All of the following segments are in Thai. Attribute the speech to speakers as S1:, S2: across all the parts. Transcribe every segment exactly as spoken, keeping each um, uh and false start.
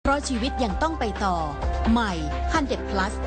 S1: เพราะชีวิตยังต้องไปต่อใหม่ ฮันเดรด พลัส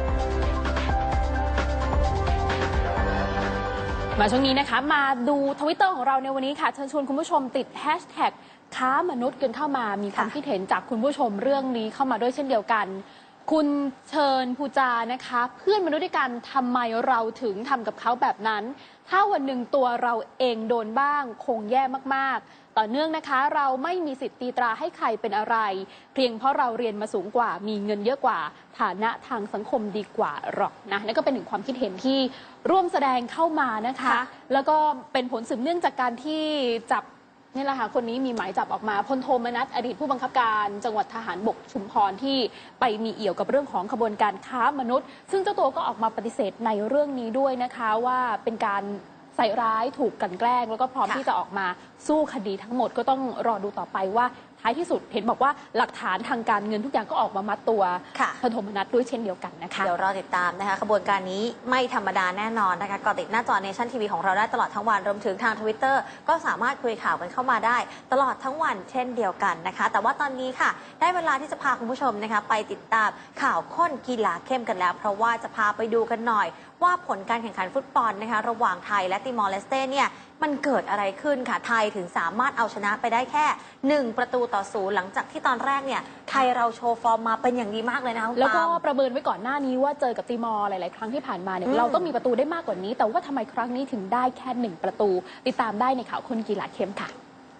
S2: มาช่วงนี้นะคะมาดูทวิตเตอร์ของเราในวันนี้ค่ะเชิญชวนคุณผู้ชมติดแฮชแท็กค้ามนุษย์กันเข้ามามีความคิดเห็นจากคุณผู้ชมเรื่องนี้เข้ามาด้วยเช่นเดียวกันคุณเชิญภูจานะคะเพื่อนมนุษย์ด้วยกันทำไมเราถึงทำกับเขาแบบนั้นถ้าวันหนึ่งตัวเราเองโดนบ้างคงแย่มากๆต่อเนื่องนะคะเราไม่มีสิทธิ์ตีตราให้ใครเป็นอะไรเพียงเพราะเราเรียนมาสูงกว่ามีเงินเยอะกว่าฐานะทางสังคมดีกว่าหรอกนะนั่นก็เป็นหนึ่งความคิดเห็นที่ร่วมแสดงเข้ามานะคะแล้วก็เป็นผลสืบเนื่องจากการที่จับนี่แหละค่ะคนนี้มีหมายจับออกมาพลโทมนัสอดีตผู้บังคับการจังหวัดทหารบกชุมพรที่ไปมีเอี่ยวกับเรื่องของขบวนการค้ามนุษย์ซึ่งเจ้าตัวก็ออกมาปฏิเสธในเรื่องนี้ด้วยนะคะว่าเป็นการใส่ร้ายถูกกลั่นแกล้งแล้วก็พร้อมที่จะออกมาสู้คดีทั้งหมดก็ต้องรอดูต่อไปว่าท้ายที่สุดเห็นบอกว่าหลักฐานทางการเงินทุกอย่างก็ออกมามัดตัวพลโทมนัสด้วยเช่นเดียวกันนะคะ
S3: เดี๋ยวรอติดตามนะคะขบวนการนี้ไม่ธรรมดาแน่นอนนะคะก็ติดหน้าจอเนชั่นทีวีของเราได้ตลอดทั้งวันรวมถึงทางทวิตเตอร์ก็สามารถคุยข่าวกันเข้ามาได้ตลอดทั้งวันเช่นเดียวกันนะคะแต่ว่าตอนนี้ค่ะได้เวลาที่จะพาคุณผู้ชมนะคะไปติดตามข่าวข้นกีฬาเข้มกันแล้วเพราะว่าจะพาไปดูกันหน่อยว่าผลการแข่งขันฟุตบอลนะคะระหว่างไทยและติมอร์เลสเต้เนี่ยมันเกิดอะไรขึ้นค่ะไทยถึงสามารถเอาชนะไปได้แค่หนึ่งประตูต่อศูนย์หลังจากที่ตอนแรกเนี่ยไทยเราโชว์ฟอร์มมาเป็นอย่างดีมากเลยนะคะ
S2: แล้วก็ประเมินไว้ก่อนหน้านี้ว่าเจอกับติมอร์หลายๆครั้งที่ผ่านมาเนี่ยเราต้องมีประตูได้มากกว่านี้แต่ว่าทำไมครั้งนี้ถึงได้แค่หนึ่งประตูติดตามได้ในข่าวคนกีฬาเข้มค่ะ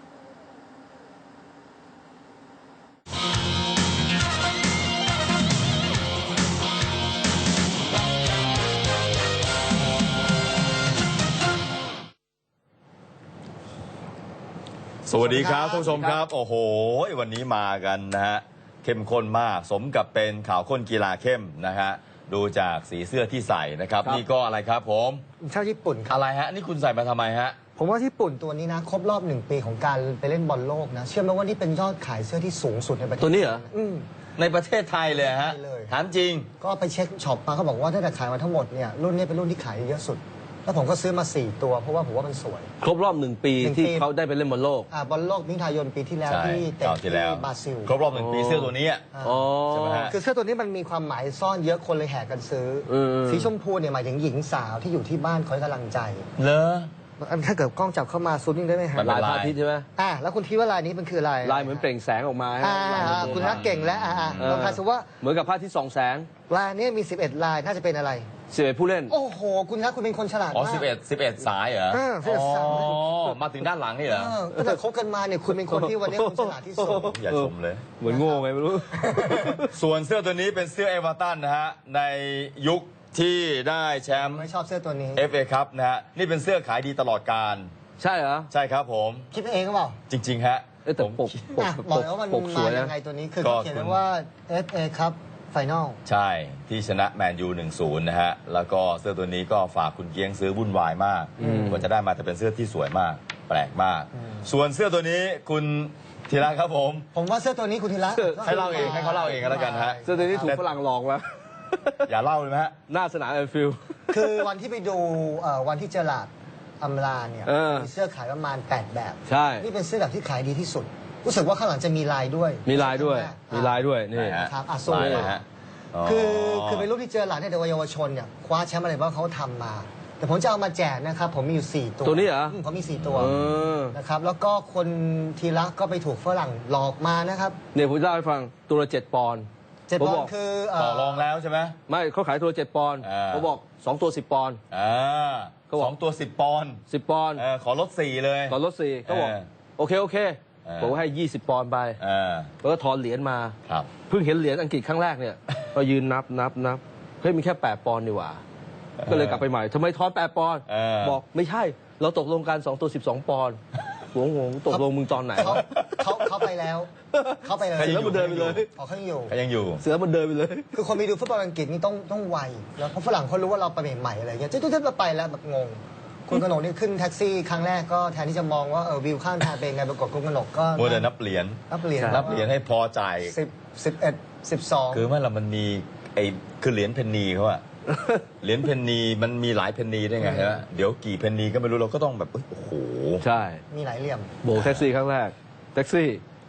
S4: สวัสดีครับท่านผู้ชมครับโอ้โหวันนี้มากันนะฮะเข้มข้นมากสมกับเป็นข่าวข้นกีฬาเข้มนะฮะดูจากสีเสื้อที่ใส่นะครับนี่ก็อะไรครับผม
S5: ชาวญี่ปุ่นครับ
S4: อะไรฮะนี่คุณใส่มาทำไมฮะ
S5: ผมว่าญี่ปุ่นตัวนี้นะครบรอบหนึ่งปีของการไปเล่นบอลโลกนะเชื่อไหมว่านี่เป็นยอดขายเสื้อที่สูงสุดในประเทศ
S4: ตัวนี้เหรอในประเทศไทยเลยฮะถามจริง
S5: ก็ไปเช็คช็อปมาเขาบอกว่าถ้าแต่ขายมาทั้งหมดเนี่ยรุ่นนี้เป็นรุ่นที่ขายเยอะสุดแล้วผมก็ซื้อมาสี่ตัวเพราะว่าผมว่ามันสวย
S6: ครบรอบหนึ่งปีที่เขาได้ไปเล่นบอลโลก
S5: อ่าบอลโลกมิถุนายนปีที่แล้วที่เตะที่บราซิล
S4: ครบรอบหนึ่งปีเสื้อตัวนี้
S5: อ๋อใช่ไหมฮะคือเสื้อตัวนี้มันมีความหมายซ่อนเยอะคนเลยแห่กันซื้อสีชมพูเนี่ยหมายถึงหญิงสาวที่อยู่ที่บ้านคอยกำลังใจ
S4: เลอ
S5: ถ้าเกิดกล้องจับเข้ามาซูมยิ่งได้ไหมฮะ
S6: ลายพระอาทิตย์ใช่ไหม
S5: อ่าแล้วคุณคิดว่าลายนี้มันคืออะไร
S6: ลายเหมือนเปล่งแสงออกมา
S5: อ่าคุณนักเก่งแล้วอ่าลองทายสิว่า
S6: เหมือนกับพระอาทิตย์ส่องแสง
S5: ลายนี้มีสิบเอ็ดลายน่าจะเป็นอะไร
S6: สิบเอ็ดผู้เล่น
S5: โอ้โหคุณครับคุณเป็นคนฉลาดมากอ๋อ
S4: สิบเอ็ดสิบเอ็ดสายเหรอ
S5: อ๋
S4: อมาถึงด้านหลังนี่เหรอ
S5: ตั้งแต่คบกันมาเนี่ยคุณเป็นคนที่วันนี้คุณฉลาดที่สุด
S4: อย่าชมเลย
S6: เหมือนโง่ไงไม่รู้
S4: ส่วนเสื้อตัวนี้เป็นเสื้อเอเวอร์ตันนะฮะในยุคที่ได้แชมป์
S5: ไม่ชอบเสื้อตัวนี้
S4: เอฟ เอ ครับนะฮะนี่เป็นเสื้อขายดีตลอดกาล
S6: ใช่เหรอ
S4: ใช่ครับผม
S5: คิดเองหรือเปล่า
S4: จริงๆฮะ
S6: แต่ปกปก
S5: บอกแล้วว่ามันมายังไงตัวนี้คือเขียนว่า เอฟ เอ ครับไฟนอล
S4: ใช่ที่ชนะแมนยู หนึ่งศูนย์ นะฮะแล้วก็เสื้อตัวนี้ก็ฝากคุณเกียงซื้อวุ่นวายมากกว่าจะได้มาแต่เป็นเสื้อที่สวยมากแปลกมากส่วนเสื้อตัวนี้คุณธีระครับผม
S5: ผมว่าเสื้อตัวนี้คุณธีระ
S4: ให้เล่าเองให้เขาเล่าเองก็แล้วกันฮะ
S6: เสื้อตัวนี้ถูกฝรั่งหลอกมา
S4: อย่าเล่าเลยไหมฮะ
S6: หน้าสนามแอนฟิลด์
S5: คือวันที่ไปดูวันที่เจอหลาดอำลาเนี่ยมีเสื้อขายประมาณแปดแบบ
S6: ใช่
S5: นี่เป็นเสื้อแบบที่ขายดีที่สุดรู้สึกว่าข้างหลังจะมีลายด้วย
S6: มีลายด้วยมีลายด้วยนี่
S5: ครับอาซูฮะคือคือเป็นรูปที่เจอหลานในเยาวชนเนี่ยคว้าแชมป์อะไรบ้างเขาทำมาแต่ผมจะเอามาแจกนะครับผมมีอยู่สี่ตัว
S6: ตัวนี้เหรอ
S5: เขามีสี่ตัวนะครับแล้วก็คนทีละก็ไปถูกฝรั่งหลอกมานะครับ
S6: เนี่ยผมจะเล่าให้ฟังตัวละเจ็ดปอนด์
S5: เจ็ดปอนด์คือ
S4: ต่อรองแล้วใช่ไหม
S6: ไม่เขาขายตัวเจ็ดปอนด์เขาบอกสองตัวสิบปอนด์
S4: เขาบอกสองตัวสิบปอนด์
S6: สิบปอนด์
S4: ขอลดสี่เลย
S6: ขอลดสี่เขาบอกโอเคโอเคผมให้ยี่สิบปอนด์ไปแล้วก็ถอนเหรียญมาเพิ่งเห็นเหรียญอังกฤษครั้งแรกเนี่ยก็ยืนนับนับนับเฮ้ยมีแค่แปดปอนด์ดีกว่าก็เลยกลับไปใหม่ทำไมทอนแปดปอนด์บอกไม่ใช่เราตกลงกันสองตัวสิบสองปอนด์หวงหวงตกลงมึงตอนไหน
S5: เขาเขาเขาไปแล้วเขาไปเลย
S6: เสือมันเดินไปเลย
S5: เขายังอยู่
S4: เขายังอยู่
S6: เสือมันเดินไปเลย
S5: คือคนไปดูฟุตบอลอังกฤษนี่ต้องต้องไวแล้วเพราะฝรั่งเขารู้ว่าเราไปใหม่ๆอะไรเงี้ยจุ๊ดๆเราไปแล้วแบบงงคุณกนกนี่ขึ้นแท็กซี่ครั้งแรกก็แทนที่จะมองว่าเออวิวข้างทางเป็นไงปรากฏคุณกนกก็
S4: มัวแต่นับเหรียญ
S5: นับเหรียญ
S4: นับเหรียญให้พอใจ
S5: สิบสิบเอ็ดสิบสอง
S4: คือเมื่อเรามันมีไอ้คือเหรียญเพนนีเขาอะเหรียญเพนนีมันมีหลายเพนนีได้ไงฮะเดี๋ยวกี่เพนนีก็ไม่รู้เราก็ต้องแบบโอ้โห
S6: ใช่
S5: มีหลายเหลี่ยม
S6: โบกแท็กซี่ครั้งแรกแท็กซี่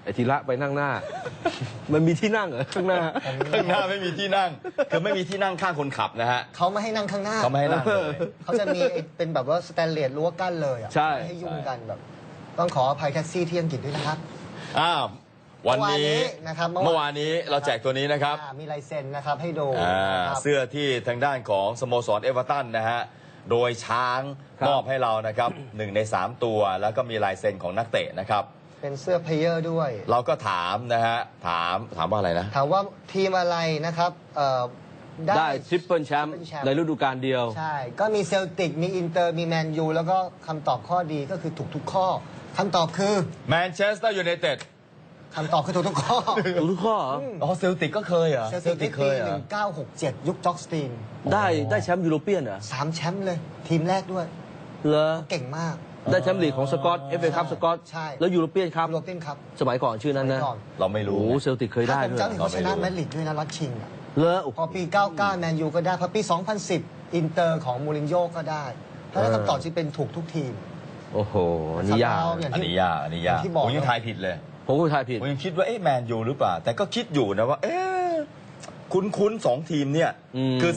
S6: ไอ้ธีระไปนั่งหน้า มันมีที่นั่งเหรอข้างหน้า
S4: ข้างหน้าไม่มีที่นั่ง คือไม่มีที่นั่งข้างคนขับนะฮะ
S5: เขาไม่ให้นั่งข้างหน้า
S4: เขาไม่ให้นั่งเลย
S5: เขาจะมีไอ้เป็นแบบว่าสแตนเลสรั้วกั้นเลยอ่ะ
S6: ใช่
S5: ไม่ให้ยุ่งกันแบบ ต้องขออภัยแท็กซี่ที่อังกฤษด้วยนะครับ
S4: อ้าววันนี้
S5: เมื่อวานนี้นะครับ
S4: เมื่อวานนี้เราแจกตัวนี้นะครับ
S5: อ่ามีลายเซ็นนะครับให้ดู
S4: อ่า
S5: นะครับ
S4: เสื้อที่ทางด้านของสโมสรเอเวอร์ตันนะฮะ โดยช้าง
S6: ครับ
S4: มอบให้เรานะครับ หนึ่งในสามตัวแล้วก็มีลายเซ็นของนักเตะนะครับ
S5: เป็นเสื้อเพลเยอร์ด้วย
S4: เราก็ถามนะฮะ ถามถามว่าอะไรนะ
S5: ถามว่าทีมอะไรนะครับเอ่อ
S6: ได้ทริปเปิลแชมป์
S5: Triple Champ
S6: ในฤดูกาลเดียว
S5: ใช่ ก็มีเซลติก มีอินเตอร์ มีแมนยู แล้วก็คำตอบข้อดีก็คือถูกทุกข้อ คำตอบคือ
S4: แมนเชสเตอร์ยูไนเต็ด
S5: คำตอบคือถูกทุกข้อ
S6: ถูกทุกข้อเหรอ
S4: อ๋อเซลติกก็เคยเหรอ
S5: เซลติก
S4: เค
S5: ปี
S4: ยเหร
S5: หนึ่
S4: อ
S5: งเก้าหกเจ็ดยุคจ็อกสตีน
S6: ได้ได้แชมป์ยูโรเปียนเหรอ
S5: สามแชมป์เลย ทีมแรกด้วย
S6: เหรอ
S5: เก่งมาก
S6: ได้แชมป์ลีกของสกอตเอฟเอคัพสกอต
S5: ใช่
S6: แล้วยูโรเปียนครับ
S5: โรเปียนครับ
S6: สมัยก่อนชื่อนั้นนะ
S5: สมัยก่อน
S4: เราไม่
S6: โอ้
S4: รู้
S6: โหเซลติกเคยได้
S5: ถ้าผม
S6: ด้วย
S5: จำไม่ผิดเขาชนะแมดริดด้วยนะนัดชิงอะ
S6: เลอโอ้โห
S5: พอปี เก้าเก้า แมนยูก็ได้ พอปี สองพันสิบ อินเตอร์ของมูรินโญ่ก็ได้ เพราะฉะนั้น
S6: เออ
S5: คำตอบที่เป็นถูกทุกทีม
S6: โอ้โหอันนี้ยาก
S5: สำหรับเราอย่าง
S4: อันนี้ยากอันนี้ยาก
S5: อย่างที่บอก
S4: ผมยังทายผิดเลย
S6: ผมก็ทายผิด
S4: ผมยังคิดว่าเอ๊ะแมนยูหรือเปล่า แต่ก็คิดอยู่นะว่า เอ๊ะคุ้นๆสองทีมเนี่ย
S6: อืม
S4: คือ